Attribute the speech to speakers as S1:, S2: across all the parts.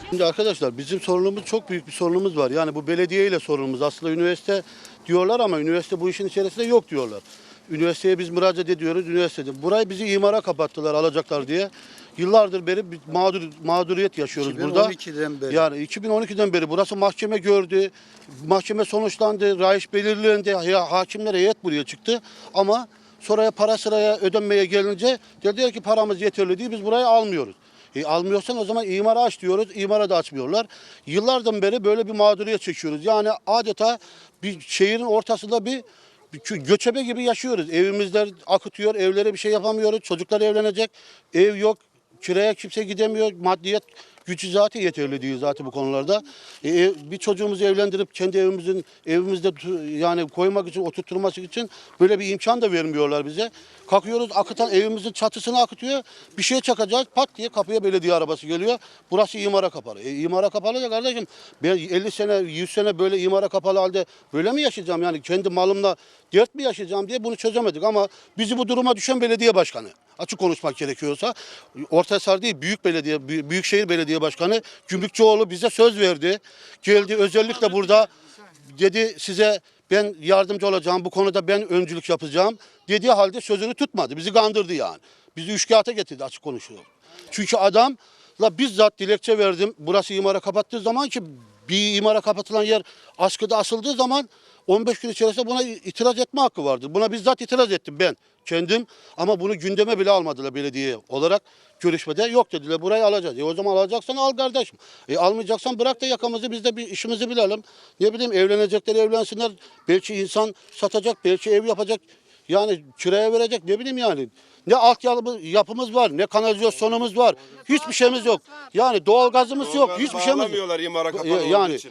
S1: Şimdi arkadaşlar bizim sorunumuz çok büyük bir sorunumuz var. Yani bu belediye ile sorunumuz. Aslında üniversite diyorlar ama üniversite bu işin içerisinde yok diyorlar. Üniversiteye biz müracaat ediyoruz üniversitede. Burayı bizi imara kapattılar alacaklar diye. Yıllardır beri bir mağduriyet yaşıyoruz burada.
S2: 2012'den beri.
S1: Yani 2012'den beri burası mahkeme gördü. Mahkeme sonuçlandı. Rayiç belirlendi. Hakimler heyet buraya çıktı. Ama sonra para sıraya ödenmeye gelince dediler ki paramız yeterli değil biz burayı almıyoruz. Almıyorsan o zaman imara aç diyoruz. İmara da açmıyorlar. Yıllardan beri böyle bir mağduriyet çekiyoruz. Yani adeta bir şehrin ortasında bir göçebe gibi yaşıyoruz. Evimizler akıtıyor, evlere bir şey yapamıyoruz. Çocuklar evlenecek, ev yok, kiraya kimse gidemiyor. Maddiyet gücü zaten yeterli değil zaten bu konularda. Bir çocuğumuzu evlendirip kendi evimizde yani koymak için, oturtturması için böyle bir imkan da vermiyorlar bize. Kalkıyoruz akıtan evimizin çatısını akıtıyor. Bir şey çakacağız pat diye kapıya belediye arabası geliyor. Burası imara kapalı. İmara kapalı ya kardeşim ben 50 sene 100 sene böyle imara kapalı halde böyle mi yaşayacağım? Yani kendi malımla dert mi yaşayacağım diye bunu çözemedik ama bizi bu duruma düşen belediye başkanı. Açık konuşmak gerekiyorsa Ortahisar değil büyük belediye büyükşehir belediye başkanı Gümrükçüoğlu bize söz verdi. Geldi özellikle burada dedi size ben yardımcı olacağım bu konuda ben öncülük yapacağım dediği halde sözünü tutmadı. Bizi kandırdı yani. Bizi üçkağıta getirdi açık konuşuyor. Çünkü adamla bizzat dilekçe verdim. Burası imara kapattığı zaman ki bir imara kapatılan yer askıda asıldığı zaman 15 gün içerisinde buna itiraz etme hakkı vardır. Buna bizzat itiraz ettim ben kendim ama bunu gündeme bile almadılar belediye olarak görüşmede. Yok dediler burayı alacağız. O zaman alacaksan al kardeşim. Almayacaksan bırak da yakamızı biz de bir işimizi bilelim. Ne bileyim evlenecekler evlensinler. Belki insan satacak, belki ev yapacak. Yani kiraya verecek ne bileyim yani. Ne yapımız var, ne kanalizasyonumuz var. Hiçbir şeyimiz yok. Yani doğalgazımız yok, hiçbir şeyimiz yok.
S3: İmara kapalı
S1: Yani
S3: için.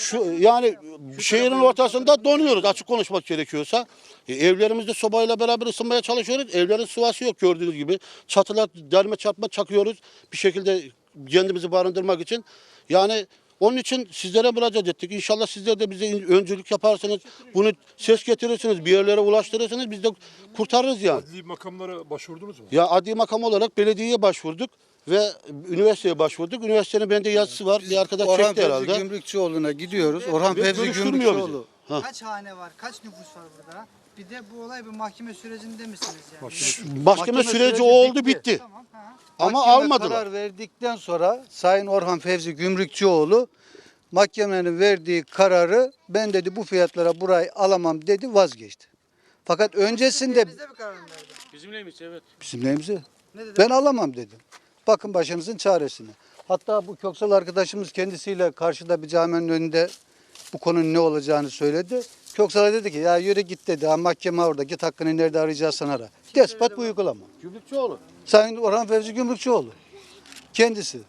S1: şehrin ortasında donuyoruz açık konuşmak gerekiyorsa. Evlerimizde sobayla beraber ısınmaya çalışıyoruz. Evlerin sıvası yok gördüğünüz gibi. Çatılar derme çarpma çakıyoruz bir şekilde kendimizi barındırmak için. Yani onun için sizlere müracaat ettik. İnşallah sizler de bize öncülük yaparsınız. Bunu ses getirirsiniz, bir yerlere ulaştırırsınız. Biz de kurtarırız yani.
S4: Adli makamlara başvurdunuz mu?
S1: Ya adli makam olarak belediyeye başvurduk ve üniversiteye başvurduk. Üniversitenin bende yazısı var. Bir arkadaş
S2: Orhan
S1: çekti
S2: Fevzi
S1: herhalde.
S2: Gümrükçüoğlu'na gidiyoruz. Orhan
S1: Ve
S2: Fevzi
S1: görüştürmüyor
S2: Gümrükçüoğlu.
S1: bizi.
S5: Kaç hane var, kaç nüfus var burada? Bir de bu olay bir mahkeme sürecinde misiniz yani?
S1: Mahkeme süreci oldu bitti.
S5: Tamam. Ha.
S1: Ama
S2: Mahkeme
S1: almadılar.
S2: karar verdikten sonra Sayın Orhan Fevzi Gümrükçüoğlu mahkemenin verdiği kararı ben dedi bu fiyatlara burayı alamam dedi vazgeçti. Fakat öncesinde
S5: Bizde bir karar verdi.
S2: bizim neyimize
S5: Ne dedi?
S2: ben alamam dedim. Bakın başınızın çaresine. Hatta bu Köksal arkadaşımız kendisiyle karşıda bir caminin önünde bu konunun ne olacağını söyledi. Köksal'a dedi ki ya yürü git dedi. Ha, mahkeme orada git hakkını nerede arayacaksan ara. Despat bu uygulama.
S1: Gümrükçüoğlu.
S2: Sayın Orhan Fevzi Gümrükçüoğlu. Kendisi.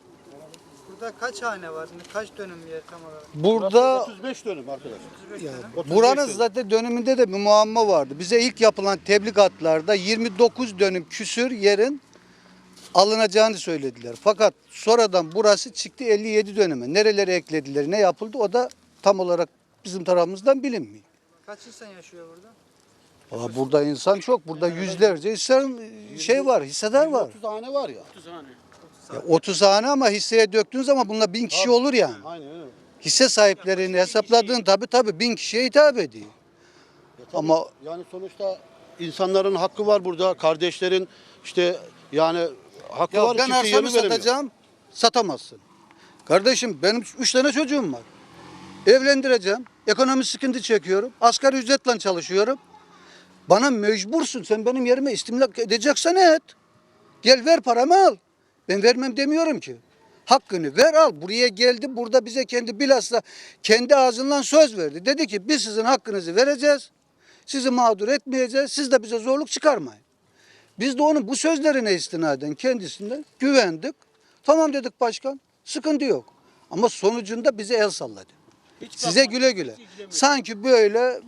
S5: Burada kaç hane var? Kaç dönüm yer tam olarak?
S2: Burada
S1: 35 dönüm arkadaş.
S5: 35 dönüm.
S1: 35
S2: buranın
S1: dönüm.
S2: zaten dönümünde de bir muamma vardı. Bize ilk yapılan tebligatlarda 29 dönüm küsür yerin alınacağını söylediler. Fakat sonradan burası çıktı 57 dönüme. Nerelere eklediler, ne yapıldı o da tam olarak bizim tarafımızdan bilinmiyor.
S5: Kaç insan yaşıyor burada?
S2: Valla burada insan çok. Burada yüzlerce var, hissedar var.
S1: 30 hane var ya.
S2: Ya 30 hane ama hisseye döktüğün zaman bununla 1000 kişi olur yani.
S1: Aynen öyle.
S2: Hisse sahiplerini hesapladığın tabii 1000 kişiye hitap ediyor.
S1: Tabii,
S2: Ama
S1: yani sonuçta insanların hakkı var burada. Kardeşlerin işte yani hakkı
S2: ya
S1: var.
S2: ben
S1: kimse
S2: arsamı
S1: yerini veremiyor.
S2: satacağım, satamazsın. Kardeşim benim 3 tane çocuğum var. Evlendireceğim, ekonomi sıkıntı çekiyorum, asgari ücretle çalışıyorum. Bana mecbursun, sen benim yerime istimlak edeceksen et. Gel ver paramı al. Ben vermem demiyorum ki. Hakkını ver al. Buraya geldi, burada bize bilhassa kendi ağzından söz verdi. Dedi ki biz sizin hakkınızı vereceğiz. Sizi mağdur etmeyeceğiz. Siz de bize zorluk çıkarmayın. Biz de onun bu sözlerine istinaden kendisinden güvendik. Tamam dedik başkan, sıkıntı yok. Ama sonucunda bize el salladı. Size güle güle. Sanki böyle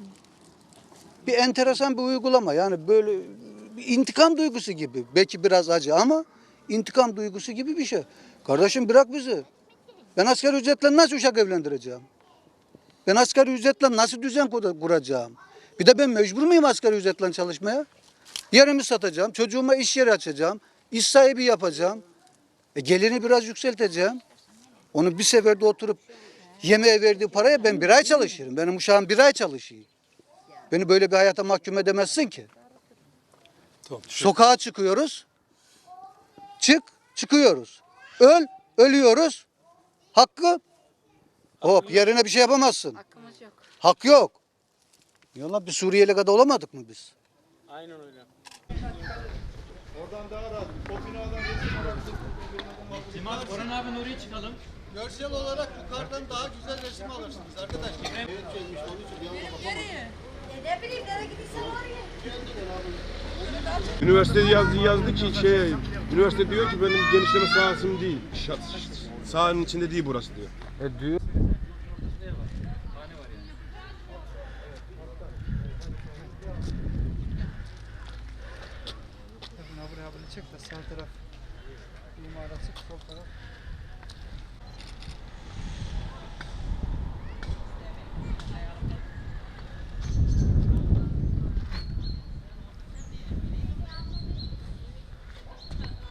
S2: bir enteresan bir uygulama. Yani böyle bir intikam duygusu gibi. Belki biraz acı ama intikam duygusu gibi bir şey. Kardeşim bırak bizi. Ben asgari ücretle nasıl uşak evlendireceğim? Ben asgari ücretle nasıl düzen kuracağım? Bir de ben mecbur muyum asgari ücretle çalışmaya? Yerimi satacağım, çocuğuma iş yeri açacağım, iş sahibi yapacağım. Geliri biraz yükselteceğim. Onu bir seferde oturup yemeğe verdiği paraya ben bir ay çalışırım. Benim uşağım bir ay çalışıyor. Beni böyle bir hayata mahkum edemezsin ki.
S3: Tamam.
S2: Sokağa çıkıyoruz. Çıkıyoruz. Ölüyoruz. Hakkı hop yerine bir şey yapamazsın.
S4: Hakkımız yok.
S2: Hak yok. Yolla bir Suriyeli kadar olamadık mı biz?
S3: Aynen öyle.
S6: Orhan abi oraya çıkalım.
S2: Görsel olarak yukarıdan daha güzel resim alırsınız arkadaşlar.
S4: Ne bileyim nereye gidiyorsan oraya.
S7: Üniversite yazdı ki üniversite diyor ki benim genişleme sahasım değil. Sahanın içinde değil burası diyor.
S5: Buraya çek de sağ taraf imar açık, sol taraf